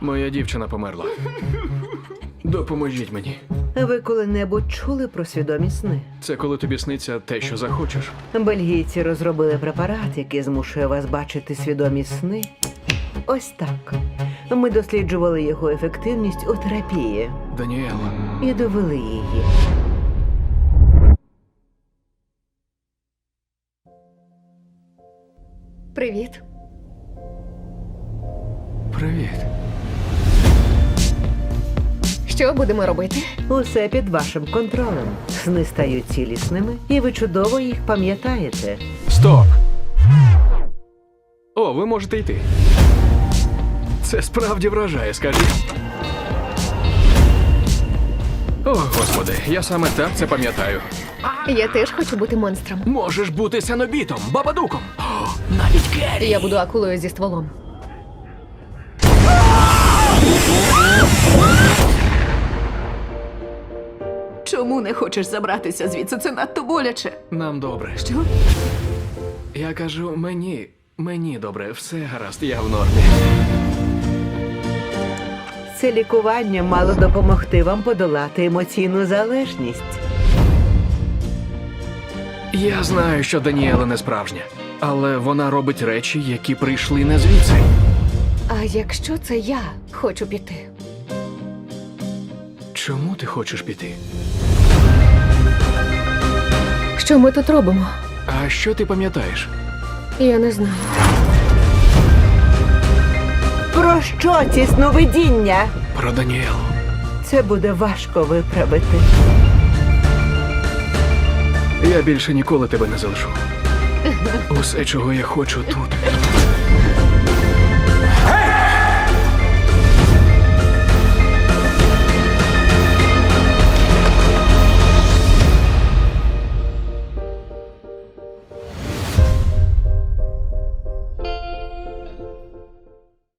Моя дівчина померла. Допоможіть мені. Ви коли-небудь чули про свідомі сни? Це коли тобі сниться те, що захочеш. Бельгійці розробили препарат, який змушує вас бачити свідомі сни. Ось так. Ми досліджували його ефективність у терапії Даніела. і довели її. Привіт. Привіт. Що будемо робити? Усе під вашим контролем. Сни стають цілісними, і ви чудово їх пам'ятаєте. Стоп! О, ви можете йти. Це справді вражає, скажіть. О, господи, я саме так це пам'ятаю. Я теж хочу бути монстром. Можеш бути сенобітом, бабадуком. О, навіть Керрі. Я буду акулою зі стволом. Чому не хочеш забратися звідси? Це надто боляче. Нам добре. Що? Я кажу, мені добре, все гаразд, я в нормі. Це лікування мало допомогти вам подолати емоційну залежність. Я знаю, що Даніела не справжня, але вона робить речі, які прийшли не звідси. А якщо це я хочу піти? Чому ти хочеш піти? Що ми тут робимо? А що ти пам'ятаєш? Я не знаю. Про що ці сновидіння? Про Даніелу. Це буде важко виправити. Я більше ніколи тебе не залишу. Усе, чого я хочу тут,